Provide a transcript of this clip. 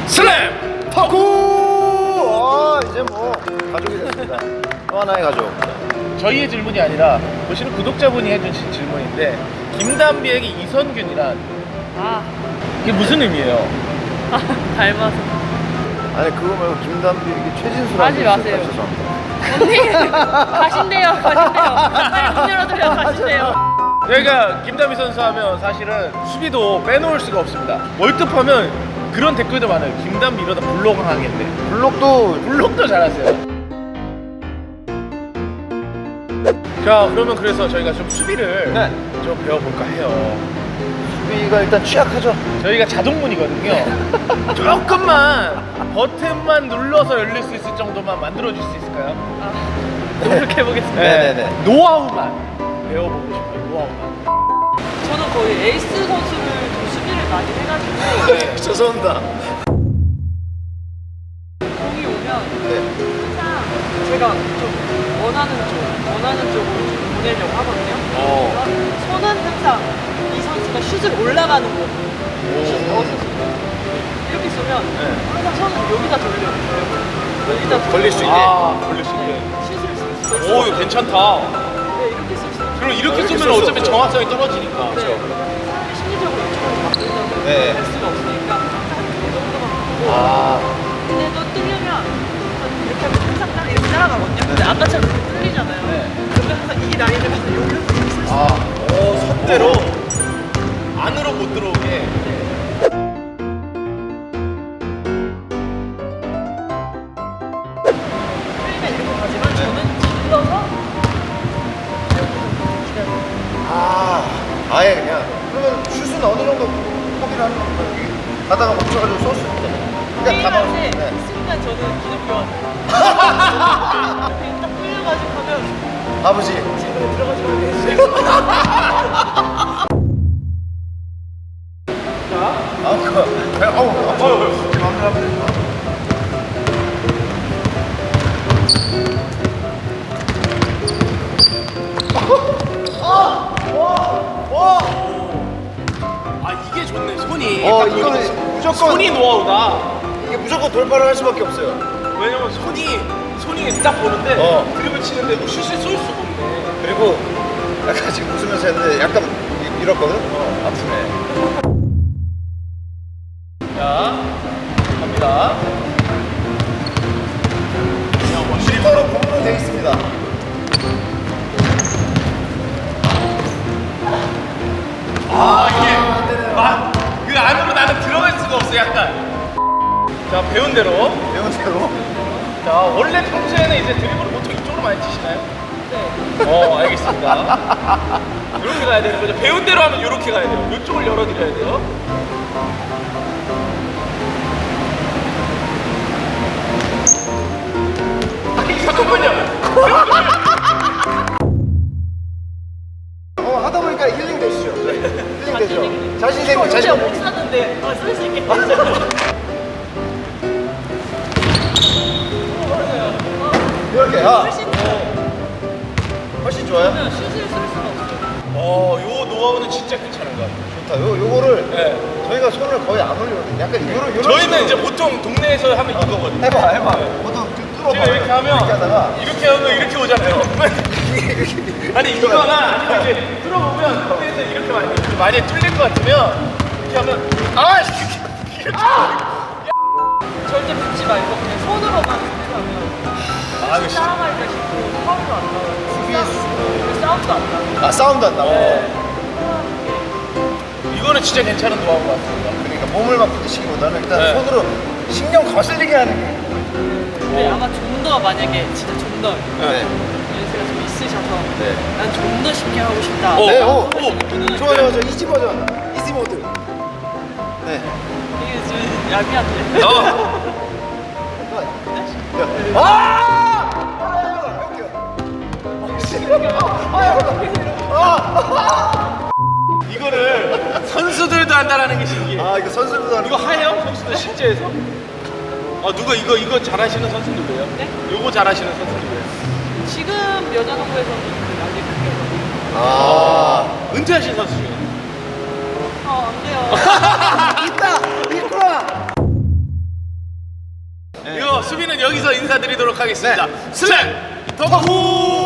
슬램 덕후! 이제 뭐 가족이 됐습니다. 또 하나의 가족. 저희의 질문이 아니라 보시는 구독자분이 해주신 질문인데 김담비에게 이선균이란 아, 이게 무슨 의미예요? 닮아서. 아니 그거 말고 김담비 이게 최진수라고 하지 마세요. 죄송합니다. 언니, 가신대요. 빨리 문 열어드려, 가신대요. 저희가 김담비 선수 하면 사실은 수비도 빼놓을 수가 없습니다. 월드컵하면 그런 댓글도 많아요. 김담비 이러다 블록 하겠네. 블록도 잘하세요. 자, 그러면 그래서 저희가 좀 수비를 네. 좀 배워볼까 해요. 수비가 일단 취약하죠. 저희가 자동문이거든요. 조금만 버튼만 눌러서 열릴 수 있을 정도만 만들어줄 수 있을까요? 아, 노력해보겠습니다. 네네네. 노하우만 배워보고 싶어요. 노하우만. 저는 거의 에이스 선수를 좀 수비를 많이 해가지고 네. 죄송합니다. 공이 오면 네. 항상 제가 좀 원하는 쪽으로 좀 보내려고 하거든요. 그러면 손은 항상 이 선수가 슛을 올라가는 거 슛 넣었을 수 있는 이렇게 쏘면 항상 손은 여기다 돌려요. 여기다 걸릴 수 있게. 걸릴 수 있게. 슛을 쓸 수 오, 있어요. 이거 괜찮다. 네, 이렇게 쓸 수 있어요. 그럼 이렇게 이렇게 쏘면 쓸수 어차피 없죠. 정확성이 떨어지니까. 네. 사람이 심리적으로 이쪽으로 바꾸려고 네. 할 수가 없으니까 항상 이 정도만 바꾸고 아, 근데 또 뚫리면 이렇게 하면 항상 이렇게 따라가거든요. 근데 아까처럼 이렇게 뚫리잖아요. 그러면 항상 이 라인을 가서 여기서 이렇게 쓸수 있어요. 오, 선대로 안으로 못 들어오게. 뚫리면 이렇게 가지만 저는 질러서 아예 그냥. 그러면 슛은 어느 정도 포기를 하는 겁니까? 여기 가다가 멈춰가지고 쏠 수 있게. 그러니까 다 게임할 때 네. 순간 저는 기독교원 이렇게 딱 뚫려가지고 하면 아버지. 집으로 들어가지고 하면 아, 그거. 아우, 제 마음대로 하면 되죠. 아, 이게 좋네. 손이. 이거는 무조건. 손이 노하우다. 이게 무조건 돌파를 할 수밖에 없어요. 왜냐면 손이 딱 보는데 드리블 치는데 뭐 슛을 쏠 수가 없네. 그리고 약간 지금 웃으면서 했는데 약간 밀었거든? 아프네. 자, 갑니다. 실버로 공으로 되어 있습니다. 그 안으로 나는 들어갈 수가 없어, 약간. 자, 배운 대로. 배운 대로. 자, 원래 평소에는 이제 드리블을 보통 이쪽으로 많이 치시나요? 네. 알겠습니다. 이렇게 가야 되는 거죠. 배운 대로 하면 이렇게 가야 돼요. 이쪽을 열어드려야 돼요. 아니, 잠깐만요. 하다 보니까 힐링 되시죠? 힐링 되죠? 자신 생기고 진짜 자신 못 쐈는데 쓸 수 있게 이렇게 훨씬 좋아요? 슛을 쓸 수가 없어요. 요 노하우는 진짜 괜찮은 것 같아요. 좋다. 요거를 네. 저희가 손을 거의 안 올리거든요. 약간 요런 저희는 이제 식으로. 보통 동네에서 하면 이거거든요. 해봐. 보통 뚫어봐. 제가 이렇게 하면 이렇게 하면 이렇게 오잖아요. 아니 이거나 아니면 이제 뚫어보면 동네에서 이렇게 많이 뚫릴 것 같으면 이렇게 하면 이렇게 절대 붙지 말고 그냥 손으로만 수비하면 따라갈 때 싶고 파울도 안 나와요. 그리고 싸움도 안 나와요. 사운드 안 나와. 이거는 진짜 괜찮은 노하우 것 같습니다. 그러니까 몸을 막 부딪히기보다는 일단 네. 손으로 신경 거슬리게 하는 게. 근데 아마 좀 더 만약에 진짜 좀 더 네. 연세가 좀 있으셔서 네. 난 좀 더 쉽게 하고 싶다. 네, 오. 좋아. 이지 버전. 이지 모드. 네. 이게 좀 얄미한데. 이거를 선수들도 한다라는 게 신기해. 이거 선수들도 하는 이거 하요? 선수들 실제에서? 누가 이거 잘하시는 선수들이에요? 네? 요거 잘하시는 선수들이에요? 지금 여자농구에서는 그 아직 은퇴하신 선수 중에. 안 돼요. 있다! 있구나! 수비는 여기서 인사드리도록 하겠습니다. 슬램 덩크!